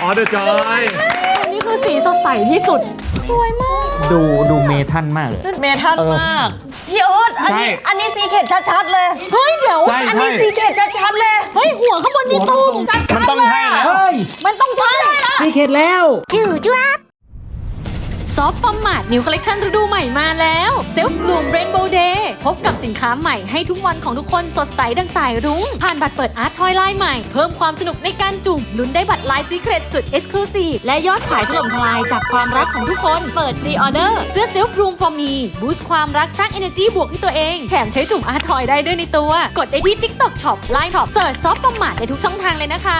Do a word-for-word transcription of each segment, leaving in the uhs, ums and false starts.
อ๋อเดอะจอยอันนี้คือสีสดใสที่สุดสวยมากดูดูเมทัลมากเลยเมทัลมากพี่เอิร์ธอันนี้อันนี้ซีเคทชัดๆเลยเฮ้ยเดี๋ยวอันนี้ซีเคทชัดๆเลยเฮ้ยหัวข้างบนมีตูมชัดๆมันต้องให้แล้วมันต้องใช่แล้วซีเคทแล้วจู่จ้าซอฟต์ปอมมาดนิวคอลเลคชันฤดูใหม่มาแล้วเซลฟ์บลูมเรนโบว์เดย์พบกับสินค้าใหม่ให้ทุกวันของทุกคนสดใสดังสายรุ้งผ่านบัตรเปิดอาร์ตทอยไลน์ใหม่เพิ่มความสนุกในการจุ่มลุ้นได้บัตรลายซีเครตสุดเอ็กซ์คลูซีฟและยอดขายถล่มทลายจากความรักของทุกคนเปิดพรีออเดอร์เสื้อเซลฟ์บลูมฟอร์มีบูสต์ความรักสร้าง energy บวกให้ตัวเองแถมใช้จุ่มอาร์ตทอยได้ด้วยในตัวกดได้ที่ TikTok Shop ไลน์ Shop เสิร์ชซอฟต์ปอมมาดได้ทุกช่องทางเลยนะคะ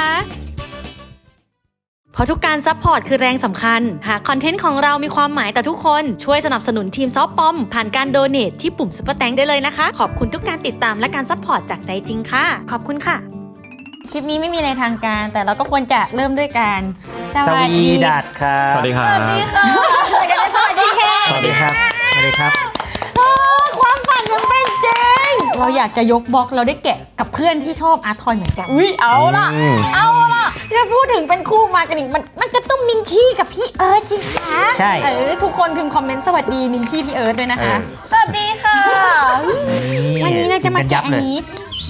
เพราะทุกการซัพพอร์ตคือแรงสำคัญหากคอนเทนต์ของเรามีความหมายต่อทุกคนช่วยสนับสนุนทีมซอฟต์ปอมผ่านการโดเนทที่ปุ่มซุปเปอร์แตงได้เลยนะคะขอบคุณทุกการติดตามและการซัพพอร์ตจากใจจริงค่ะขอบคุณค่ะคลิปนี้ไม่มีในทางการแต่เราก็ควรจะเริ่มด้วยการสวีดัสครับสวัสดีครับสวัสดีค่ะสวัสดีค่ะสวัสดีครับสวัสดีครับความฝันมันเป็นจริงเราอยากจะยกบล็อกเราได้แกะกับเพื่อนที่ชอบอาร์ตทอยเหมือนกันอุ้ยเอาล่ะเอาล่ะถ้าพูดถึงเป็นคู่มากันอีกมันมันจะต้องมินชี่กับพี่เอิร์ธสิคะใช่เออทุกคนพิมพ์คอมเมนต์สวัสดีมินชี่พี่เอิร์ธด้วยนะคะสวัสดีค่ะวันนี้เราจะมาแกะอันนี้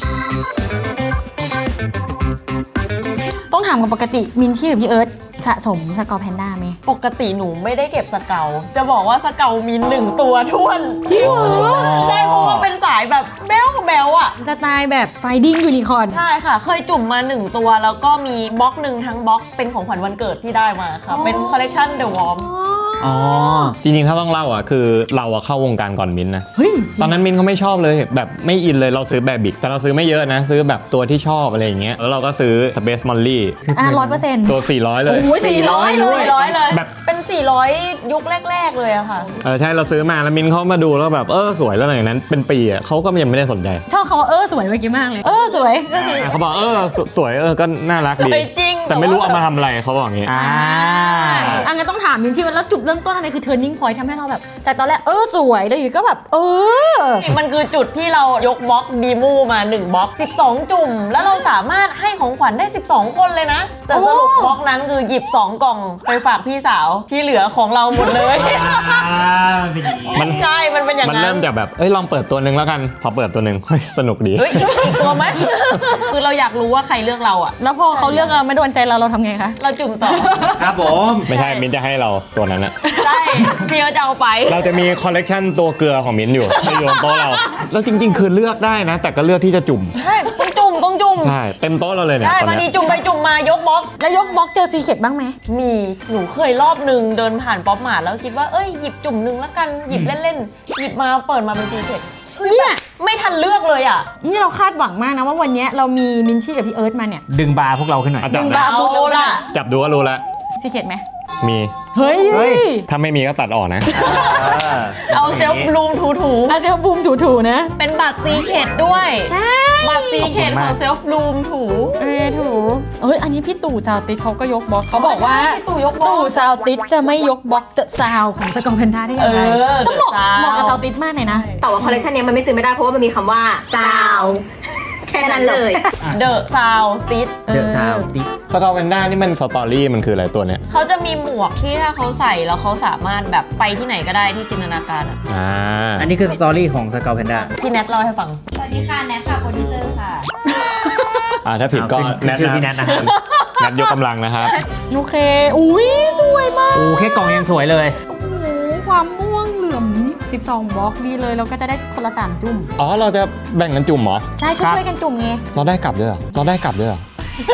ต้องถามกันปกติมินชี่หรือพี่เอิร์ธสะสมสกอร์แพนด้าไหมปกติหนูไม่ได้เก็บสเกลจะบอกว่าสเกลมีหนึ่งตัวท้วนจริงเหรอได้เพราะว่าเป็นสายแบบเบลเบลอะสไตล์แบบไฟดิ้งยูนิคอร์นใช่ค่ะเคยจุ่มมาหนึ่งตัวแล้วก็มีบล็อกหนึ่งทั้งบล็อกเป็นของขวัญวันเกิดที่ได้มาค่ะเป็นคอลเลกชันเดอะวอร์มอ๋อจริงๆถ้าต้องเล่าอ่ะคือเราอะเข้าวงการก่อนมิ้นนะเฮ้ยตอนนั้นมิ้นเขาไม่ชอบเลยแบบไม่อินเลยเราซื้อแบบบิกแต่เราซื้อไม่เยอะนะซื้อแบบตัวที่ชอบอะไรอย่างเงี้ยแล้วเราก็ซื้อ Space Molly อ่ะร้อยเปอร์เซ็นต์ตัวสี่ร้อยเลยโอ้ยสี่ร้อยเลยสี่ร้อยเลยแบบเป็นสี่ร้อยยุคแรกๆเลยอะค่ะเออใช่เราซื้อมาแล้วมิ้นเขามาดูแล้วแบบเออสวยแล้วหลังจากนั้นเป็นปีอ่ะเขาก็ยังไม่ได้สนใจชอบเขาว่าเออสวยเมื่อกี้มากเลยเออสวยก็คือเขาบอกเออสวยเออก็น่ารักดีแต่ไม่รู้เอามาทำอะไรเขาบอกอย่างงี้อ่าอันงั้นต้องถามมินชี่ว่าแล้วจุดเริ่มต้นอะไรคือ turning point ทำให้เราแบบจากตอนแรกเออสวยแล้วอยู่ก็แบบเออมันคือจุดที่เรายกบล็อกดีมูมาหนึ่งบล็อกสิบสองจุ่มแล้วเราสามารถให้ของขวัญได้สิบสองคนเลยนะแต่สรุปบล็อกนั้นคือหยิบสองกล่องไปฝากพี่สาวที่เหลือของเราหมดเลยมันใช่มันเป็นอย่างนั้นมันเริ่มจากแบบเอ้ยลองเปิดตัวนึงแล้วกันพอเปิดตัวนึงสนุกดีเฮ้ยอีกตัวไหมคือเราอยากรู้ว่าใครเลือกเราอะแล้วพอเขาเลือกเราไม่โดนใจเราเราทำไงคะเราจุ่มต่อครับผมไม่ใช่มิ้นจะให้เราตัวนั้นอะใช่พี่เขาจะเอาไปเราจะมีคอลเลกชันตัวเกลือของมิ้นอยู่ในโยนโต๊ะเราแล้วจริงๆคือเลือกได้นะแต่ก็เลือกที่จะจุ่มใช่ต้องจุ่มต้องจุ่มใช่เต็มโต๊ะเราเลยเนี่ยใช่บางทีจุ่มไปจุ่มมายกบล็อกแล้วยกบล็อกเจอซีเคทบ้างไหมมีหนูเคยรอบนึงเดินผ่านป๊อปมาร์ทแล้วคิดว่าเอ้ยหยิบจุ่มนึงแล้วกันหยิบเล่นๆหยิบมาเปิดมาเป็นซีเคทเนี่ยไม่ทันเลือกเลยอ่ะนี่เราคาดหวังมากนะว่าวันนี้เรามีมินชี่กับพี่เอิร์ธมาเนี่ยดึงบาร์พวกเราขึ้นหน่อยดึงบาร์พวกเราละจับดูก็รู้แล้วซีเคทไหมมีเฮ้ยถ้าไม่มีก็ตัดออกนะเอาเซลฟ์บลูมถูถูเอาเซลฟ์บลูมถูถูนะเป็นบัตรซีเคทด้วยใช่บัตรซีเคทของเซลฟ์บลูมถูเออถูเอ้ยอันนี้พี่ตู่ซาวติสเขาก็ยกบล็อกเขาบอกว่าตู่ยกบล็อกตู่ซาวติสจะไม่ยกบล็อกเดอะซาวของสกอร์แพนด้าได้ยังไงต้องเหมาะเหมาะกับซาวติสมากเลยนะแต่ว่าคอลเลคชันนี้มันไม่ซื้อไม่ได้เพราะว่ามันมีคำว่าซาวแค่นั้นเลยเดอะซาวติสเดอะซาวติสสกอร์แพนด้านี่มันสตอรี่มันคืออะไรตัวเนี้ยเขาจะมีหมวกที่ถ้าเขาใส่แล้วเขาสามารถแบบไปที่ไหนก็ได้ที่จินตนาการอ่ะอ่าอันนี้คือสตอรี่ของสกอร์แพนด้าพี่แนทเล่าให้ฟังสวัสดีค่ะแนทค่ะโปรดิวเซอร์ค่ะอ่าถ้าผิดก็แนทชื่อพี่แนทนะครับแนทยกกำลังนะครับโอเคอุ้ยสวยมากโอ้แค่กล่องยังสวยเลยโอ้โหความม่วงเหลื่อมนี่สิบสองบล็อกดีเลยเราก็จะได้คนละสามจุ่มอ๋อเราจะแบ่งกันจุ่มเหรอใช่ช่วยกันจุ่มไงเราได้กลับด้วยเหรอเราได้กลับด้วยเหรอ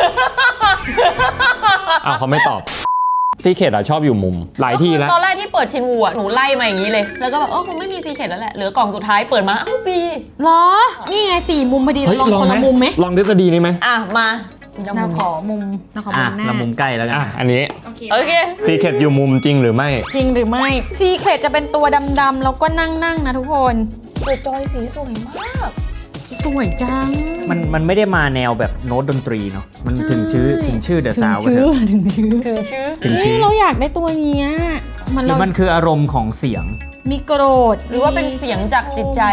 อ้าวเขาไม่ตอบซีเคทอะชอบอยู่มุมหลายที่แล้วตอนแรกที่เปิดชินวูอะหนูไล่มาอย่างนี้เลยแล้วก็แบบเออคงไม่มีซีเคทแล้วแหละเหลือกล่องสุดท้ายเปิดมาอ้าวซีเหรอนี่ไงสี่มุมพอดีลองคนละมุมไหมลองทฤษฎีนี้ไหมอ่ะมาเราขอมุมเราขอมุมหน้าเรามุมใกล้แล้วกันอันนี้โอเคซีเคทอยู่มุมจริงหรือไม่จริงหรือไม่ซีเคทจะเป็นตัวดำๆแล้วก็นั่งๆนะทุกคนตัวจอยสีสวยมากสวยจังมันมันไม่ได้มาแนวแบบโน้ตดนตรีเนาะมันถึงชื่อถึงชื่อเดอะซาวด์ถึงชื่อถึงชื่อถึงชื่อถึงชื่อเราอยากได้ตัวนี้มันมันคืออารมณ์ของเสียงมีโกรธหรือว่าเป็นเสียงจากจิตใจ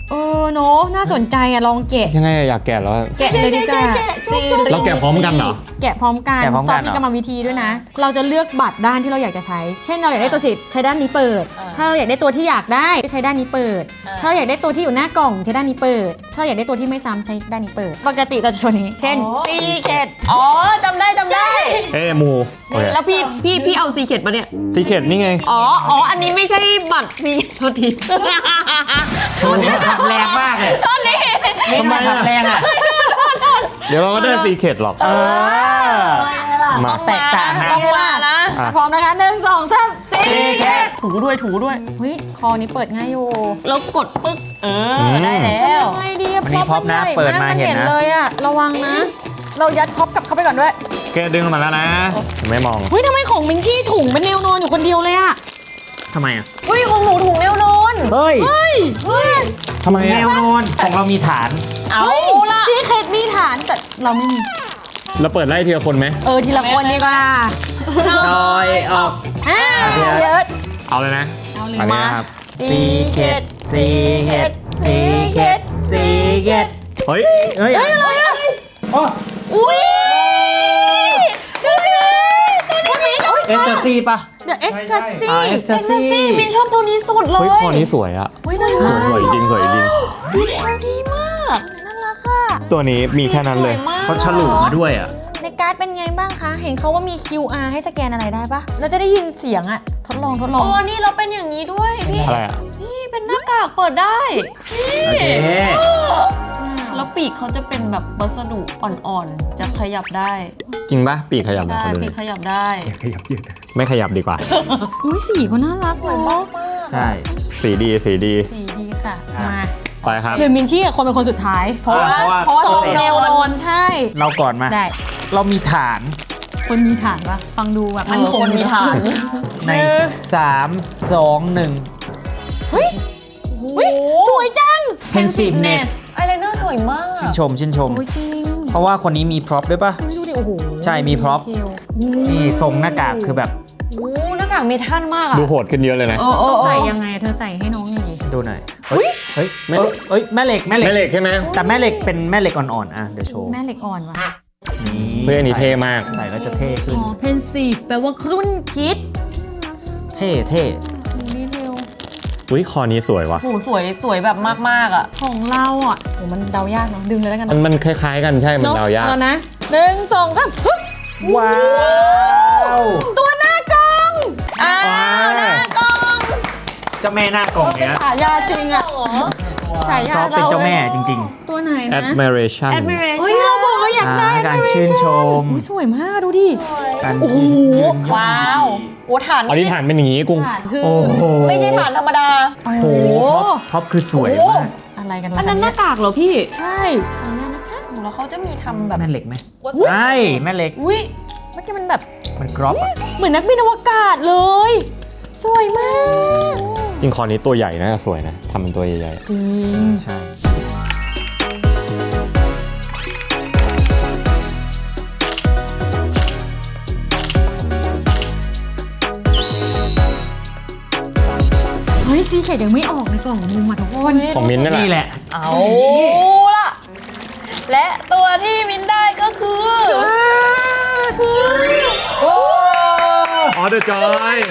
เออเนอะน่าสนใจอะลองแกะยังไงอะอยากแกะแล้วแกะเลยดีกว่าเราแกะพร้อมกันเหรอแกะพร้อมกันแกะพร้อมซกัอน ฟเหรอมีกรรมวิธีด้วยนะ เราจะเลือกบัตรด้านที่เราอยากจะใช้ เช่นเราอยากได้ตัวสิทธิ์ใช้ด้านนี้เปิด ถ้าเราอยากได้ตัวที่อยากได้ก็ใช้ด้านนี้เปิด ถ้าเราอยากได้ตัวที่อยู่หน้ากล่องใช้ด้านนี้เปิด ถ้าเราอยากได้ตัวที่ไม่ซ้ำใช้ด้านนี้เปิด ปกติเราจะโชว์นี้ เช่นซีเคดอ๋อจำได้จำได้เอ้มูโอเคแล้วพี่พี่พี่เอาซีเข็ดมาเนี่ยซีเคดนี่ไงอ๋อ อ๋อ อันนี้ไม่ใช่บัตรซีโทษทีโอ้โหขับแรงมากเลยตอนนี้ทำไมอะขับแรงอ่ะเดี๋ยวเราก็ได้ซีเคดหรอกเออมาแตกต่างนะต้องมานะอ่ะพร้อมนะคะหนึ่งสองสามซีเคดถูด้วยถูด้วยเฮ้ยคอนี้เปิดง่ายอยู่แล้วกดปึ๊ก เออ ได้แล้วทำยังไงดีอะวันนี้พร็อพนะใญ่เปิดมาเห็นนะเลยอะระวังนะ เรายัดพร็อพกลับเข้าไปก่อนด้วยแกดึงออกมาแล้วนะ ไม่มองเฮ้ยทำไมของมิงชี่ถุงเป็นแนวนอนอยู่คนเดียวเลยอะทำไมอ่ะอุ้ยของหนูถุงแนวนอนเฮ้ยเฮ้ยทำไมแนอะวนอนของเรามีฐานเอาเฮ้ยละซีเคดมีฐานแต่เราไม่มีเราเปิดไล่ทีละคนไหมเออทีละคนดีกว่าดอยออกอ่าเดี๋ยวเยอะเอาเลยนะเอาเลยอันนี้นะครับซีเค็ดซีเค็ดซีเค็ดซีเค็ดเฮ้ยเฮ้ยเฮ้ยอะไรอะโอ้อุ้ยดูดิตัวนี้มิงเอสเตอร์ซีป่ะเดอะเอสตัสซี่อ่าเอสเตอร์ซีมินชอบตัวนี้สุดเลเฮ้ยยคอนี้สวยอะสวยสวยสวยจริงสวยจริงดีเทลดีมากน่ารักค่ะตัวนี้มีแค่นั้นเลยสวมกเขาฉลุมาด้วยอ่ะในการ์ดเป็นไงบ้างคะ เห็นเขาว่ามี คิว อาร์ ให้สแกนอะไรได้ปะเราจะได้ยินเสียงอะทดลองทดลองอ๋อ นี่เราเป็นอย่างนี้ด้วยพี่อะไรอะนี่เป็นหน้ากากเปิดได้โอเคแล้วปีกเขาจะเป็นแบบวัสดุอ่อนๆ จะขยับได้จริงปะปีกขยับนะได้ขอดูหปีน่กอยขยับได้ขยับยืดไม่ขยับดีกว่าอุ้ยสีก็น่ารักเนาะใช่สีดีสีดีสีดีค่ะอ่ะมาไปครับหรือมินชี่กับคนเป็นคนสุดท้ายเพราะว่าอ่าเพราะว่าสสออง งแนแนววนอนใช่เราก่อนมาได้เรามีฐานคนมีฐานปะฟังดูแบบมันคงมีฐานในสามสองหนึ่งเฮ้ยอุ๊ยสวยจัง Pensiveness ไอายไลเนอร์สวยมากชื่นชมชื่นชมโอ้ยจริงเพราะว่าคนนี้มีพร็อพด้วยป่ะดูดิโอ้โหใช่มี prop ดีเทลนี่ทรงหน้ากากคือแบบโอ้หน้ากากเมทัลมากอะดูโหดขึ้นเยอะเลยนะเออเออเออใส่ยังไงเธอใส่ให้น้องหน่อยดิดูหน่อย เฮ้ย เฮ้ยแม่เอ้ยเอ้ย แม่เหล็ก แม่เหล็กแม่เหล็กใช่ไหมแต่แม่เหล็กเป็นแม่เหล็กอ่อนๆ อ่ะ เดี๋ยวโชว์แม่เหล็กอ่อนว่ะนี่เพื่อนอันนี้เท่มากใส่แล้วจะเท่ขึ้นอ๋อเพนซีฟแปลว่าครุ่นคิดเท่เท่ดีเทลอุ้ยคอนี้สวยว่ะโหสวยสวยแบบมากๆอะของเราอ่ะโอ้มันเดายากเนาะดึงเลยแล้วกันมันเนาะมันคล้ายๆกันใช่ มันเนาะเดายากเอานะหนึ่งสองสามฮึบว้าวตัวหน้ากล้องอ้าวหน้ากล้องเจ้าแม่หน้ากล่องเนี้ยฉายาจริงอ่ะฉายาซอฟเป็นเจ้าแม่จริงตัวไหนนะ admiration admiration เฮ้ยเราบอกว่าอยากได้อ่าการชื่นชมอุ๊ยสวยมากดูดิๆ การโอ้โหยืนว้าวโอ้ฐานอันนี้ฐานเป็นอย่างนี้กุ้งคือโอ้โหไม่ใช่ฐานธรรมดาโอ้โหโหท็อปคือสวยมากอะไรกันอันนั้นหน้ากากเหรอพี่ใช่อันนั้นนะคะแล้วเขาจะมีทำแบบแม่เหล็กไหมวัสดุใช่แม่เหล็กอุ้ยเมื่อกี้มันแบบมันกรอบอะเหมือนนักบินอวกาศเลย สวยมากจริงคอนี้ตัวใหญ่นะสวยนะทำเป็นตัวใหญ่จริงใช่เฮ้ยซีเค็ดยังไม่ออกในกล่องมุมอ่ะทุกคนๆของมิ้นท์นั่นแหละนี่แหละเอาล่ะ และตัวที่มินได้ก็คืออ๋อเดอะจอย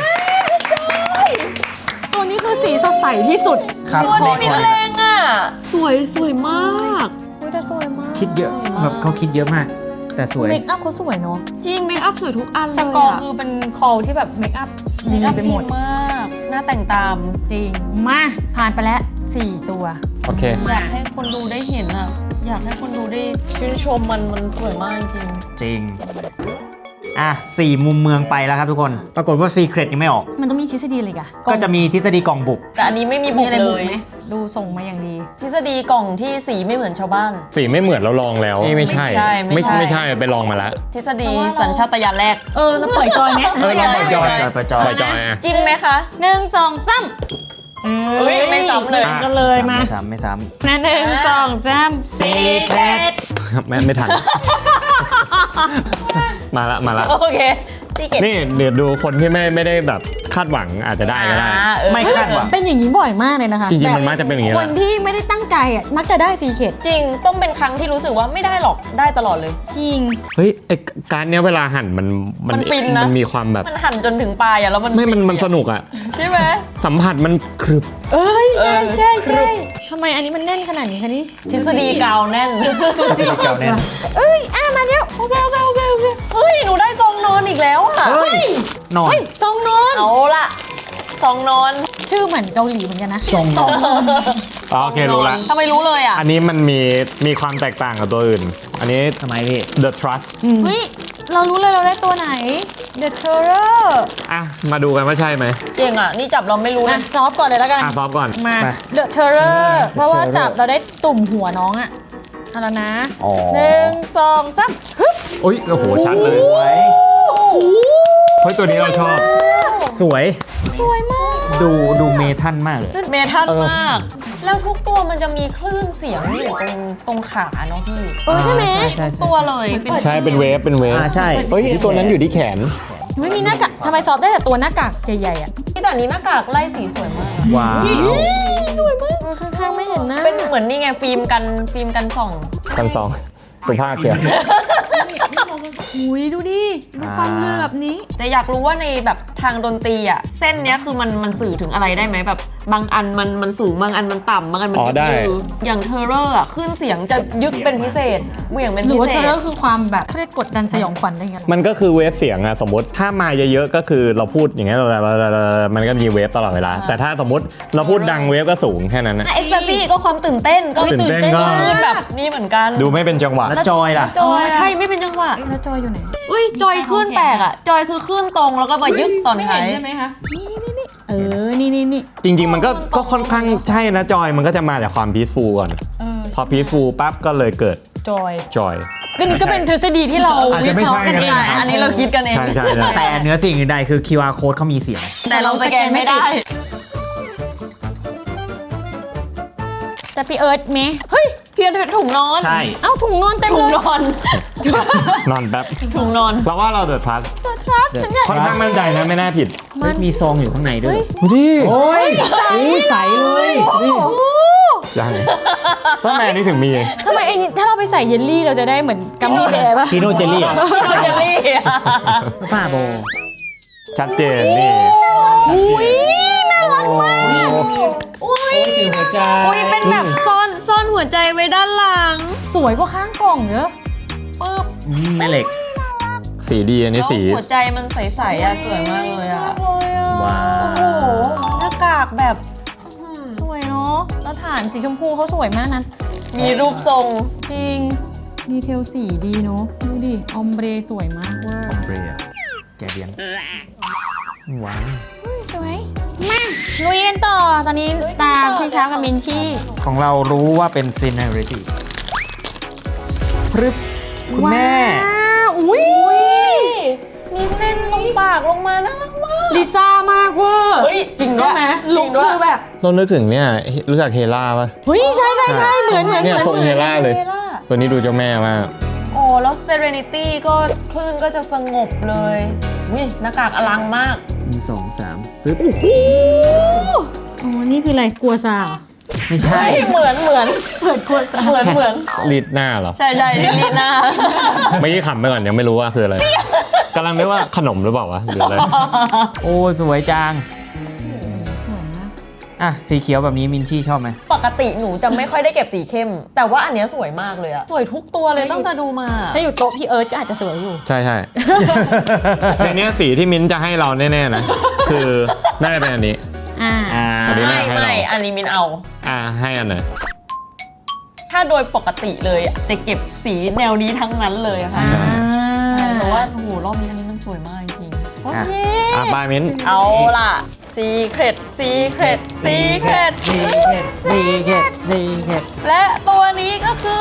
ตัวนี้คือสีสดใสที่สุดครับตัวนี้มินในแรงอ่ะ สวยสวยมากอุ้ยแต่สวยมากคิดเยอะแบบเขาคิดเยอะมาก แต่สวยเมคอัพเขาสวยเนาะจริงเมคอัพสวยทุกอันเลยสอะกอร์คือเป็นคอลที่แบบเมคอัพเมดีคอัพไปดีหมดมาก หน้าแต่งตามจริง มาผ่านไปแล้วสี่ตัวโอเคอยากให้คนดูได้เห็นอ่ะ อยากให้คนดูได้ชื่นชมมันมันสวยมากจริงจริง อ่ะสี่มุมเมืองไปแล้วครับทุกคน ปรากฏว่า Secret ยังไม่ออกมันต้องมีทฤษฎีอะไรอีกอะก็จะมีทฤษฎีกล่องบุกแต่อันนี้ไม่มีมีบุกอะไรเลบุกยไหมดูส่งมาอย่างดีทฤษฎีกล่องที่สีไม่เหมือนชาวบ้านสีไม่เหมือนเราลองแล้วนี่ไม่ใช่ไม่ใช่ไม่ใช่ไม่ใช่ไปลองมาแล้วทฤษฎีสัญชาตญาณแรกเออเราปล่อยจอยไหมเออเราปล่อยจอยจอยปล่อยจอยปล่อยจอยอะจริงไหมคะหนึ่งสองสามเอ้ยไม่ซ้ำเลยอ่ะก็เลยมาไม่ซ้ำไม่ซ้นะหนึ่งสองสาม Secret แม่ไม่ทัน มาละมาละโอเคซีเกตนี่เดี๋ยวดูคนที่ไม่ไม่ได้แบบคาดหวังอาจจะได้ก็ได้ไม่คาดหวังเป็นอย่างนี้บ่อยมากเลยนะคะจริงๆแบบมันมักจะเป็นอย่างนี้แหคละนที่ไม่ได้ตั้งใจอ่ะมักจะได้ซีเคดจริงต้องเป็นครั้งที่รู้สึกว่าไม่ได้หรอกได้ตลอดเลยจริงเฮ้ยไอการเนี้ยเวลาหั่นมันมันฟินนะมันมีความแบบมันหั่นจนถึงปลายอะแล้วมันไม่มันมันสนุกอะใช่ไหมสัมผัสมันครึบเอ้ยใช่เออใช่ใช่ทำไมอันนี้มันแน่นขนาดนี้คะนี่ทฤษฎีกาวแน่นเก่าแน่นเอ้ยอ่ะมาแล้วโอเคโอเคโอเคโอเคเฮ้ยหนูได้ซองนอนอีกแล้วอะเฮ้ยนอนเฮ้ยทรงนอนเอาละซองนอนชื่อเหมือนเกาหลีเหมือนกันนะทรงนอนอ๋อโอเครู้ละทำไมรู้เลยอะอันนี้มันมีมีความแตกต่างกับตัวอื่น อันนี้ทำไมพี่ The Trust เฮ้ยเรารู้เลยเราได้ตัวไหน The Terror อ่ะ มาดูกันว่าใช่ไหมเก่งอะนี่จับเราไม่รู้เลอ่ะยซอฟก่อนเลยแล้วกันอ่ะซ้อมก่อนมามา The Terror The เพราะว่า Terror จับเราได้ตุ่มหัวน้องอ่ะเอาแล้วนะอ๋อหนึ่งสองสามฮึบอุ้ยโอ้โหชัดเลยสวยเฮ้ยตัวนี้เราชอบสวยสวยมากดูดูเมทัลมากเลยเมทัลเออมาก แล้วทุกตัวมันจะมีคลื่นเสียงอยู่ตรงตรงขาเนาะพี่เออใช่ไหมใช่ใช่ตัวเลยเป็นใช่เป็นเวฟเป็นเวฟอ่าใช่เฮ้ยตัวนั้นอยู่ที่แขนไม่มีหน้ากากทำไมซอฟได้แต่ตัวหน้ากากใหญ่ๆอ่ะที่แต่นี้หน้ากากไล่สีสวยมากว้าวสวยมากข้างๆไม่เห็นหน้าเป็นเหมือนนี่ไงฟิล์มกันฟิล์มกันส่องกันสองสุภาพเพียงหุยดูดิดูความเรือแบบนี้แต่อยากรู้ว่าในแบบทางดนตรีอ่ะเส้นเนี้ยคือมันมันสื่อถึงอะไรได้ไหมแบบบางอันมันมันสูงบางอันมันต่ำบางอันมันอ๋อได้ยืดๆอย่างเทอร์เรอร์อ่ะขึ้นเสียงจะยึกเป็นพิเศษเหวี่ยงเป็นหรืพิอว่าเศเทษเลอร์คือความแบบเขาเรียกกดดันสยองขวัญอะไรอย่างเงี้ยเหรอมันก็คือเวฟเสียงอะสมมติถ้ามาเยอะๆก็คือเราพูดอย่างเงี้ยมันก็มีเวฟตลอดเวลา แต่ถ้าสมมติเราพูดดังเวฟก็สูงแค่นั้นนะเอ็กซ์ซี่ก็ความตื่นเต้นก็ตื่นเต้นก็คลื่นแบบนี้เหมือนกันดูไม่เป็นจังหวะแล้วจอยล่ะจอยใช่ไม่เป็นจังหวะแล้วจอยอยู่ไหนอุ้ยจอยขึ้นแปลกอ่ะจอยคือขึ้นตรงแล้วก็มายึกตอนไม่ท้าเห็นยใช่ไหมคะ นี่นี่นี่เออ นี่นี่นี่จริงๆ มันก็ก็ค่อนข้างใช่นะจอยมันก็จะมาจากความพีซฟูลก่อน พอพีซฟูลปั๊บก็เลยเกิดจอยจอยก็นี่ก็เป็นทฤษฎีที่เราอาจวิจะเคไม่ราะใช่ห์กันเองก็ได้นะอันนี้เราคิดกันเองใช่ใช่ใช่แต่เหนือสิ่งอื่นใดคือ คิว อาร์ code เขามีเสียงแต่เราสแกนไม่ได้แต่พี่เอิร์ธไหมเฮ้ยเพียงถุงนอนใช่เอ้าถุงนอนเต็มถุเลงยนอนนอนแป๊บถุงนอนเราว่าเราเดือดพลัสตัวครับฉันอยากค่อนข้างมั่นใจนะไม่น่าผิดเฮ้ยมีซองอยู่ข้างในด้วยดูดิโอ้ยอู้ใสเลยยังตั้งแต่นี้ถึงมีทำไมไอ้นี่ถ้าเราไปใส่เยลลี่เราจะได้เหมือนกัมมี่แบร์ป่ะพีโนเจลลี่พี่โรเจลลี่ป้าโบชัดเจนนี่อุ้ยน่ารักมากอุ้ยถือหัวใจอุ้ยเป็นแบบซ่อนซ่อนหัวใจไว้ด้านหลังสวยกว่าข้างกล่องเยอะปึ๊บอืมแม่เหล็กสีดีอันนี้แล้วสีหัวใจมันใสๆอ่ะสวยมากเลยอ่ะเลยอ่ะว้าโอ้โหวหน้ากากแบบสวยเนาะแล้วฐานสีชมพูเขาสวยมากนะมีรูปทรงจริง ดีเทลสีดีเนาะดูดิ ออมเบรสวยมากเว่าคอมเบรยแกเบียงว้าวสวย มาลุยกันต่อ ตอนนี้ตามพี่ช้างกับมินชี่ของเรารู้ว่าเป็นซีนาริตี้พรึบคุณแม่ว้าวอุ้ยมีเส้นตรงปากลงมาน่ารักมากลิซ่ามากเวอร์เฮ้ยจริงด้ใช่วยไหมจลุริคงด้วยคือแบบเรานึกถึงเนี่ยรู้จักเฮล่าป่ะเฮ้ยใช่ใช่ใช่เหมือนเหมือนเนี่ยเหมือนทรงเฮล่าเลยเฮล่าตัวนี้ดูเจ้าแม่มากโอ้แล้ว Serenity ก็คลื่นก็จะสงบเลยวิหน้ากากอลังมากหนึ่งสองสามปึ๊บอ๋อ นี่คืออะไร กลัวซาเหรอไม่ใช่เหมือนเหมือนเหมือนเหมือนเหมือนรีดหน้าเหรอใช่ใช่ลีดหน้าเมื่อกี้ขำไปก่อนยังไม่รู้ว่าคืออะไรกำลังนึกว่าขนมหรือเปล่าวะหรืออะไรโอ้สวยจังสวยมากอ่ะ สีเขียวแบบนี้มินชี่ชอบไหมปกติหนูจะไม่ค่อยได้เก็บสีเข้ม แต่ว่าอันเนี้ยสวยมากเลยอะสวยทุกตัวเลยตั้งแต่ดูมาถ้าอยู่โต๊ะพี่เอิร์ธก็อาจจะสวยอยู่ใช่ใช่ในเนี้ยสีที่มิ้นท์จะให้เราแน่ๆนะ คือน่าจะเป็นอันนี้อ่าอ่าอันนี้ไม่ไม่อันนี้มินเอาอ่าให้อันไหนถ้าโดยปกติเลยอะจะเก็บสีแนวนี้ทั้งนั้นเลยอะค่ะใช่แต่ว่าโอ้โหรอบนี้อันนี้มันสวยมากจริงโอเคอ่ะบายมิ้นท์ๆเอาล่ะ Secret Secret Secret ซีเค็ดซีเค็ดซีเค็ดและตัวนี้ก็คือ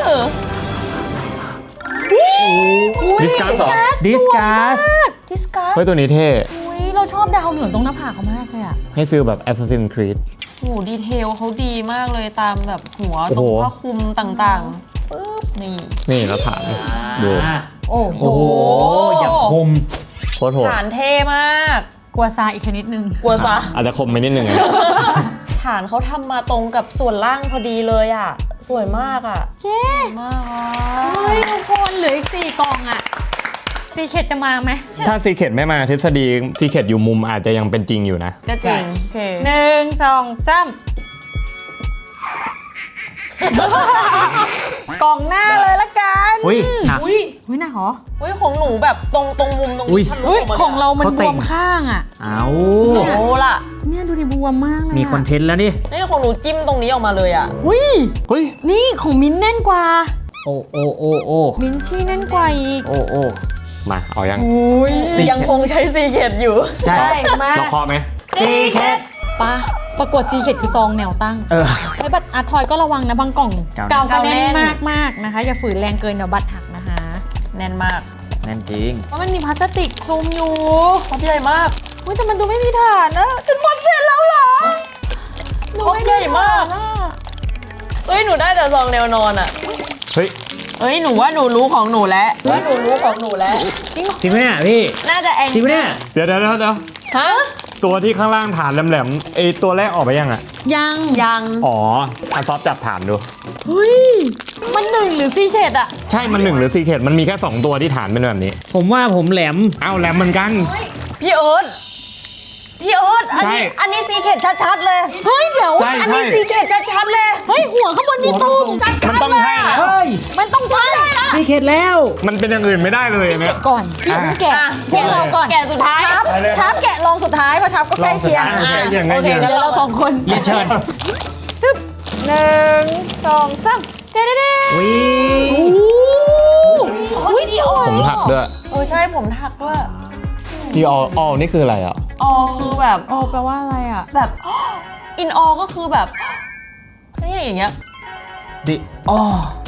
ดิสการ์สองดิสกัสดิสกัสเฮ้ยตัวนี้เท่อุ้ยเราชอบดาวเหนืองตรงหน้าผากเขามากเลยอ่ะให้ฟีลแบบ Assassin's Creed โอ้โหดีเทลเขาดีมากเลยตามแบบหัวโอ้ตโหรงผ้าคลุมต่างๆปึ๊บนี่นี่แล้วถามดูโอ้โหโอ้โห อย่างคมโคตรโหดฐานเท่มากกลัวซาอีกแค่นิดนึงกลัวซะอาจจะคมไปนิดนึงอะฐานเขาทำมาตรงกับส่วนล่างพอดีเลยอ่ะ สวยมากอ่ะเย้มากอ่ะเฮ้ยทุกคนเหลืออีกสี่กล่องอ่ะซีเคทจะมาไหมถ้าซีเคทไม่มาทฤษฎีซีเคทอยู่มุมอาจจะยังเป็นจริงอยู่นะก็จริงโอเคหนึ่งสองสามกล่องหน้าเลยละกันอุ้ยหนักอุ้ยอุ้ยหนักเหรออุ้ยของหนูแบบตรงตรงมุมตรงอุ๊ยนี้ทะลุอุ้ยกมาลยของเรามันเขาบเต่วงมข้างอ่ะเอาโอ้ล่ะเนี่ยดูดิบวมมากเลยมีคอนเทนต์แล้วนี่นี่ของหนูจิ้มตรงนี้ออกมาเลยอ่ะอุ้ยเฮ้ยนี่ของมิ้นท์แน่นกว่าโอ้โอ้โอ้โอ้มิ้นท์ชี่แน่นกว่าอีกโอ้โอ้มาเอายังอุ้ยยังคงใช้ซีเคดอยู่ใช่มาเราเคาะไหมซีเคดปะประกวดซีเคทคือซองแนวตั้งเออใช้บัตรอาร์ทอยก็ระวังนะบางกล่องเก่าเก่าก็แน่นมากมากๆนะคะ อย่าฝืนแรงเกินเดี๋ยวบัตรหักนะคะแน่นมากนั่นจริงเพราะมันมีพลาสติกคลุมอยู่ครบใหญ่มากอุ้ยแต่มันดูไม่มีฐานนะฉันหมดเสร็จแล้วเหรอครบใหญ่มากหนูไได้ฐนอะเอ้ยหนูได้แต่ซองแนวนอนอ่ะเฮ้ยเอ้ยหนูว่าหนูรู้ของหนูแล้วว่าหนูรู้ของหนูแล้วจริงเหรอจริงไหมเนี่ยพี่น่าจะแองจริงไหมเนี่ยเดี๋ยวเดี๋ยวเดี๋ยวเดี๋ยวฮะตัวที่ข้างล่างฐานแหลมๆไอตัวแรกออกไปยังอ่ะยังยังอ๋ออันซอฟจับฐานดูเฮ้ยมันหนึ่งหรือซีเคทอะใช่มันหนึ่งหรือซีเคทมันมีแค่สองตัวที่ฐานเป็นแบบนี้ผมว่าผมแหลมเอ้าแหลมเหมือนกันพี่เอิร์ธพี่เอิร์ธอันนี้ใช่อันนี้ซีเคดชัดๆเลยเฮ้ยเดี๋ยวใช่อันใช่นี้ซีเคดชัดๆเลยเฮ้ยหัวข้างบนมีตูมจัดมันต้องใช่แล้วเฮ้ยมันต้องใช่ละซีเคทแล้วมันเป็นอย่างอื่นไม่ได้เลยอันเนี่ยก่อนพี่อย่าเพิ่งแกะอ่ะพวกเราก่อนแกะสุดท้ายชับไปเลยชับแกะลองสุดท้ายเพราะชับก็ใกล้เคียงลองสุดท้ายโอเคอย่างไงโอเคอย่างเดี๋ยวเราสองคนเรียนเชิญจึ๊บหนึ่งสองสามเด้เด้เด้วิอุ้ยสวยผมถักด้วยเออใช่ผมถักด้วยที่ออออนี่คืออะไรอ่ะออคือแบบโอ้แปลว่าอะไรอ่ะแบบอินออก็คือแบบนี่อย่างเงี้ยดิอ๋อ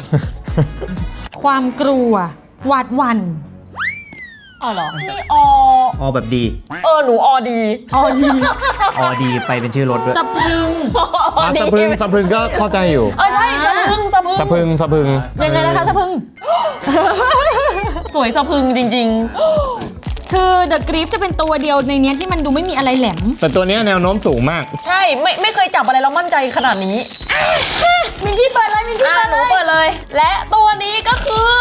ความกลัวหวาดหวั่นอ๋อเหรอนี่ออออแบบดีเออหนูออดีอ๋อดีออดีไปเป็นชื่อรถด้วยสะพรึงอออ่ะดีสะพึงสะพึงก็เข้าใจอยู่เออใช่สะพึงสะพึงสะพึงสะพึงยังไงนะคะสะพรึงสวยสะพึงจริงคือ The Grief จะเป็นตัวเดียวในเนี้ยที่มันดูไม่มีอะไรแหลมแต่ตัวเนี้ยแนวโน้มสูงมากๆ ใช่ไม่ไม่เคยจับอะไรแล้วมั่นใจขนาดนี้มินที่เปิดเลยมินที่อ่ะเปิดหเลยนูเปิดเลย และตัวนี้ก็คือก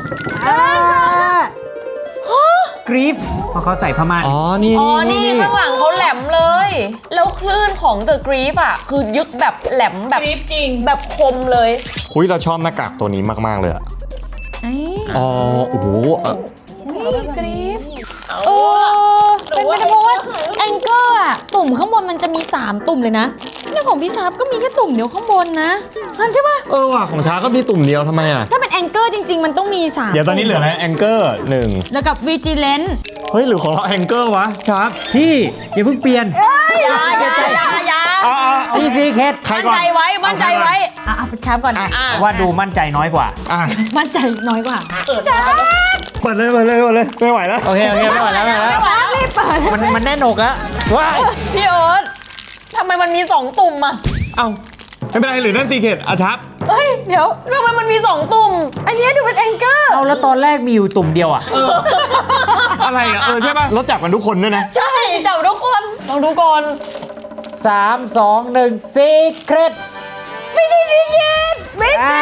รีฟเพราะเขาใส่ผ้าม่านอ๋อ นี่อ๋อนี่ข้างหลังเขาแหลมเลย แล้วคลื่นของ The Grief อ่ะคือยึกแบบแหลมแบบกรีฟจริงแบบคมเลยอุ้ยเราชอบหน้ากากตัวนี้มากๆเลยอะไอ้อ๋อ โอ้โหเอ่อนี่กรีฟเออเป็นไปได้เพราะว่าแองเกอร์อะตุ่มข้างบนมันจะมีสามตุ่มเลยนะเนี่ยของพี่ชาร์ปก็มีแค่ตุ่มเดียวข้างบนนะฮันใช่ปะเออว่ะของช้าก็มีตุ่มเดียวทำไมอ่ะถ้าเป็นแองเกอร์จริง ๆ มันต้องมีสามเดี๋ยวตอนนี้เหลืออะไรแองเกอร์หนึ่งแล้วกับวีจิเลนเฮ้ย หรือของเราแองเกอร์วะช้าพี่อย่าเพิ่งเปลี่ยนอย่าอย่าอย่าอย่าอ๋อนี่ซีเคทใครมั่นก่อนใจไว้ มั่นใจไว้อ่ะเอาชาร์ปก่อนอ่ะว่าดูมั่นใจน้อยกว่าอ่ะมั่นใจน้อยกว่าเปิดเลยเปิดเลยเปิดเลย ไม่ไหวแล้วโอเคโอเคไม่ไหวแล้วไม่ไหวแล้วรีบเปิดมันมันแน่นหนกแล้วว้ายพี่เอิร์ธทำไมมันมีสองตุ่มอ่ะเอ้า ไม่เป็นไรหรือนั่นซีเคทอาชับเฮ้ย เดี๋ยวทำไมมันมีสองตุ่ม อันเนี้ยดูเป็นแองเกอร์เอาแล้วตอนแรกมีอยู่ตุ่มเดียวอ่ะอะไรอ่ะ เออ ใช่ป่ะรถจักรกันทุกคนด้วยนะใช่จับทุกคนลองดูก่อนสามสองหนึ่งซีเครตไม่ใช่ซีเกตไม่อ่า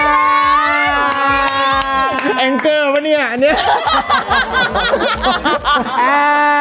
แองเกอร์วะเนี่ย อันเนี้ยอ่า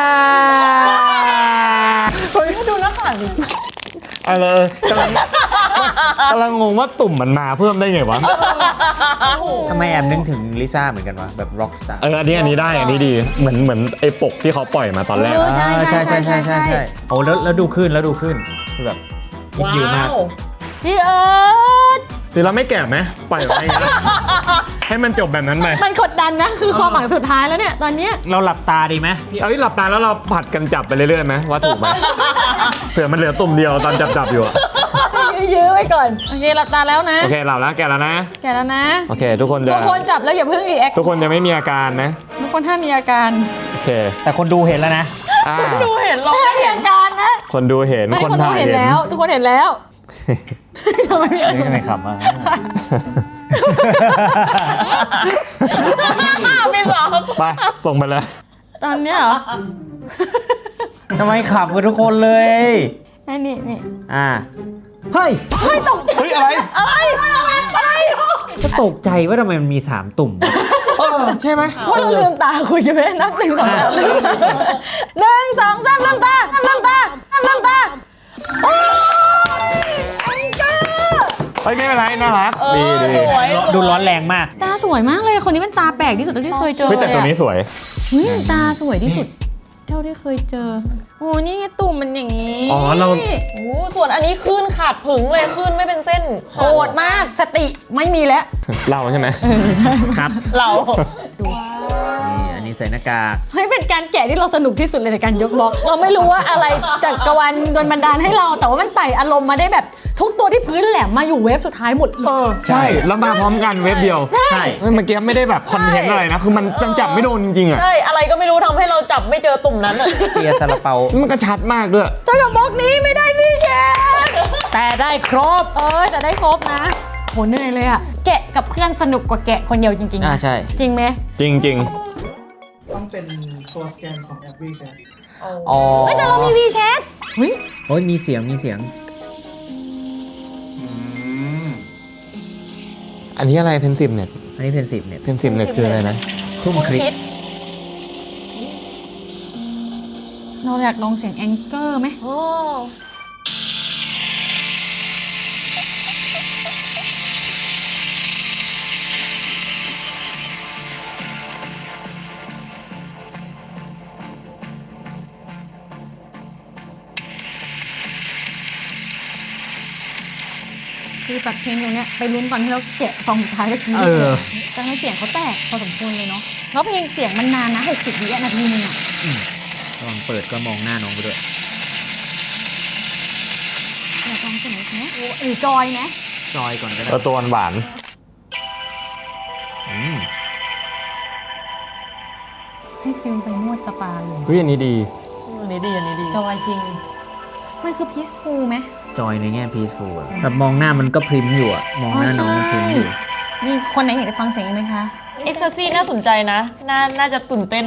เฮ้ยดูหน้าต่างดิอะไรเออกำลังกำลังงงว่าตุ่มมันมาเพิ่มได้ไงวะทำไมแอมนึกถึงลิซ่าเหมือนกันวะแบบร็อกสตาร์เออ อันนี้อันนี้ได้ อันนี้ดี เหมือนเหมือนไอ้ปกที่เขาปล่อยมาตอนแรกเอออะใช่ใช่ใช่ใช่ใช่ใช่โอ้แล้วแล้วดูขึ้นแล้วดูขึ้นคือแบบยิบยิวมากพี่เอิร์ธหรือเราไม่แกะไหมปล่อยไว้อย่างเงี้ยให้มันจบแบบนั้นไปมันกดดันนะ คือความหวังสุดท้ายแล้วเนี่ย ตอนเนี้ยเราหลับตาดีไหมเอาที่หลับตาแล้วเราผัดกันจับไปเรื่อยๆไหมว่าถูกไหม เผื่อมันเหลือตุ่มเดียวตอนจับจับๆอยู่อะยื้อไว้ก่อน โอเคหลับตาแล้วนะโอเคหลับแล้วแกะแล้วนะแกะแล้วนะโอเค ทุกคนจะทุกคนจับแล้วอย่าเพิ่งรีแอคทุกคนจะไม่มีอาการนะทุกคนห้ามมีอาการโอเคแต่คนดูเห็นแล้วนะอ่าดูเห็นเราห้ามมีอาการนะคนดูเห็นไม่คนคนดูถ่ายเห็นเห็นแล้ว ทุกคนเห็นแล้วทำไมพี่เอิร์ธนี่ทำไมขำอ่ะไม่สองไปส่งไปเลยตอนเนี้ยเหรอทำไมขับกันทุกคนเลยนี่นี่นี่อ่า เฮ้ยเฮ้ยอะไรอะไรอะไรก็ตกใจว่าทำไมมันมีสามตุ่มเออใช่ไหมว่าเราลืมตาคุยกันไหมนับหนึ่งสองสามลืมหนึ่งสองสามลืมตาลืมตาลืมตาโอ้ยแองเกอร์เฮ้ยไม่เป็นไรน่ารักเออดีดีสวยดูร้อนแรงมากตาสวยมากเลยคนนี้เป็นตาแปลกที่สุดเท่าที่เคยเจอเฮ้ยแต่เลยตัวอะนี้สวยเฮ้ยตาสวยที่สุดเท่าที่เคยเจอโอ้นี่ไงตุ่มมันอย่างนี้อ๋อเราโอ้ส่วนอันนี้ขึ้นขาดผึ่งเลยขึ้นไม่เป็นเส้นโกรธมากสติไม่มีแล้วเราใช่ไหมครับเรานี่อันนี้ใส่หน้ากากเฮ้ยเป็นการแกะที่เราสนุกที่สุดเลยในการยกบล็อกเราไม่รู้ว่าอะไรจากกรวาลโดนบันดาลให้เรา แต่ว่ามันไต่อารมณ์มาได้แบบทุกตัวที่พื้นแหลมมาอยู่เวฟสุดท้ายหมดเลยเออใช่แล้วมาพร้อมกันเว็บเดียวใช่เมื่อกี้ไม่ได้แบบคอนเทนต์อะไรนะ คือมันมันจับไม่โดนจริงๆอ่ะใช่อะไรก็ไม่รู้ทำให้เราจับไม่เจอตุ่มนั้นอะเปียซาลาเปามันก็ชัดมากด้วยเท่ากับบล็อกนี้ไม่ได้สิแกแต่ได้ครบเออแต่ได้ครบนะโหเหนื่อยเลยอะแกะกับเพื่อนสนุกกว่าแกะคนเดียวจริงๆอ่าใช่จริงไหมจริงจริงต้องเป็นตัวสแกนของแอปวีแชทอ๋อเฮ้ยแต่เรามีวีแชทเฮ้ยโอ้ยมีเสียงมีเสียงอันนี้อะไรเพนซิมเน็ตอันนี้เพนสิบเนี่ยเพนซิมเน็ตคืออะไรนะคุ้มคลิกเราอยากลองเสียงแองเกอร์ไหมโอ้คือตัดเพลงตรงเนี้ยไปลุ้นตอนที่เราแกะซองสุดท้ายเมื่อกี้เออแต่ในเสียงเขาแตกพอสมควรเลยเนาะแล้วเพลงเสียงมันนานนะหกสิบวินาทีนึงอะระวังเปิดก็มองหน้าน้องไปด้วยอยากลองเสียงไหมหรือจอยไหมจอยก่อนก็ได้เออตัวหวานอืมให้ฟิลไปนวดสปาอยู่เฮ้ยอันนี้ดีอันนี้ดีอันนี้ดีจอยจริงมันคือ peaceful ไหมจอยในแง่ peaceful อะแบบมองหน้ามันก็พริมอยู่อะมองหน้าน้องพริมอยู่มีคนไหนอยากจะฟังเสียงอีกไหมคะเอ็กซ์ซีน่าสนใจนะ น่าน่าจะตื่นเต้น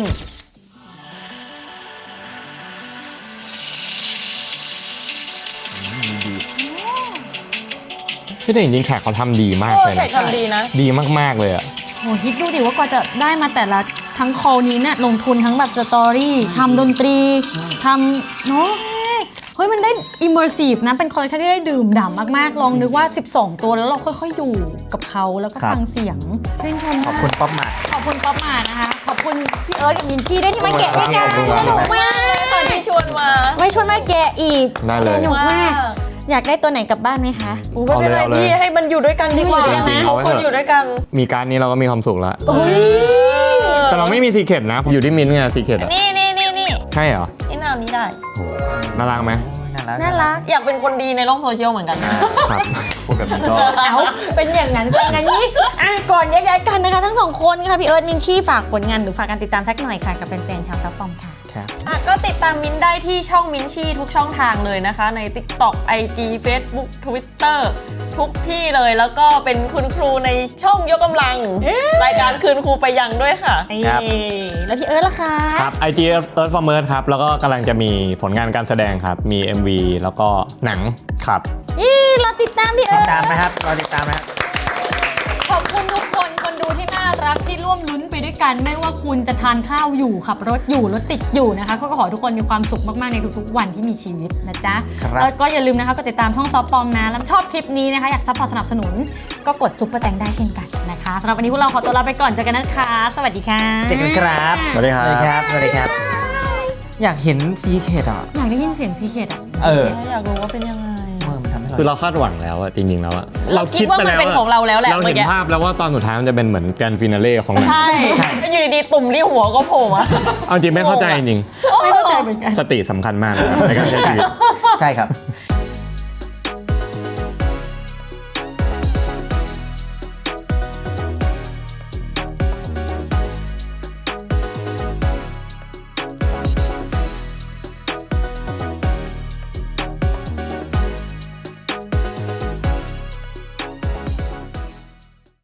ที่แต่จริงๆแขกเขาทำดีมากโอ้เลยแขนะกทำดีนะดีมากๆเลยอ่ะโหคิดดูดิว่ากว่าจะได้มาแต่ละทั้งคอลนี้เนี่ยลงทุนทั้งแบบสตอรี่ทำดนตรีทำเนาะเฮ้ยมันได้ immersive นะ เป็นคอลเลคชันที่ได้ดื่มด่ำมากๆ ลองนึกว่า สิบสอง ตัวแล้วเราค่อยๆอยู่กับเขาแล้วก็ครับฟังเสียงชื่นชมขอบมากคุณป๊อปมาขอบคุณป๊อปมานะคะ ขอบคุณพี่เอิร์ธกับมินชี่ด้วยที่มาแกะด้วยกันขอบคุณครับสนุกมากตอนที่ชวนมาไม่ชวนมาแกะอีกได้เลยสนุกมากอยากได้ตัวไหนกลับบ้านไหมคะอู้ไม่เป็นไรเอาเลยพี่ให้มันอยู่ด้วยกันดีกว่าให้มันอยู่ด้วยกันนะทุกคนอยู่ด้วยกันมีการดนี้เราก็มีความสุขแล้วโอ้ยแต่เราไม่มีซีเคร็ตนะ อยู่ที่มิ้นท์ไงซีเคร็ตอ่ะนี่นี่นี่นี่ใช่เหรอนี่นาวนี้ได้โหน่ารักไหมน่ารักน่ารักอยากเป็นคนดีในโลกโซเชียลเหมือนกันครับพูดแบบนี้ก็เอาเป็นอย่างนั้นเป็นอย่างนี้อ่ะก่อนแยกย้ายกันนะคะทั้งสองคนค่ะพี่เอิร์ธมินชี่ฝากผลงานหรือฝากการติดตามสักหน่อยค่ะกับแฟนๆชาวซับฟอมค่ะครับอ่ะก็ติดตามมิ้นได้ที่ช่องมิ้นชี่ทุกช่องทางเลยนะคะ ใน TikTok ไอ จี Facebook Twitter ทุกที่เลยแล้วก็เป็นคุณครูในช่องยกกำลัง รายการคืนครูไปยังด้วยค่ะครับแล้วพี่เอิร์ธล่ะคะครับ ไอ จี Earth for Merge ครับ แล้วก็กำลังจะมีผลงานการแสดงครับ มี เอ็ม วี แล้วก็หนังครับนี่เราติดตามพี่เอิติร์ดธตามนะครับรอติดตามนะครับขอบคุณทุกคนคนดูที่น่ารักที่ร่วมลุ้นไปด้วยกัน ไม่ว่าคุณจะทานข้าวอยู่ขับรถอยู่รถติดอยู่นะคะก็ขอให้ทุกคนมีความสุขมากๆในทุกๆวันที่มีชีวิตนะจ๊ะครับแล้วก็อย่าลืมนะคะก็ติดตามช่องซอฟปอมนะแล้วชอบคลิปนี้นะคะอยากซัพพอร์ตสนับสนุนก็กดซุปเปอร์แตงได้เช่นกันนะคะสำหรับวันนี้พวกเราขอตัวลาไปก่อนเจอกันนะคะ สวัสดีค่ะเจอกันครับสวัสดีครับสวัสดีครับ สวัสดีครับ อยากเห็นซีเคดอ่ะอยากได้ยินเสียงซีเคดอ่ะเอออยากรู้ว่าเป็นยังไงเออมันทำให้คือเราเราคาดหวังแล้วอะจริงๆแล้วอะเราคิดว่ามันเป็นของเราแล้วแหละเราเมื่เห็อน กี้ภาพแล้วว่าตอนสุดท้ายมันจะเป็นเหมือนแกรนด์ฟินาเล่ของหนังใช่ใช่แล้วอยู่ดีๆตุ่มที่หัวก็โผล่มาเอาจริงไม่เข้าใจจริงไม่เข้าใจเหมือนกันสติสำคัญมากนะครับในการใช้ชีวิตใช่ครับ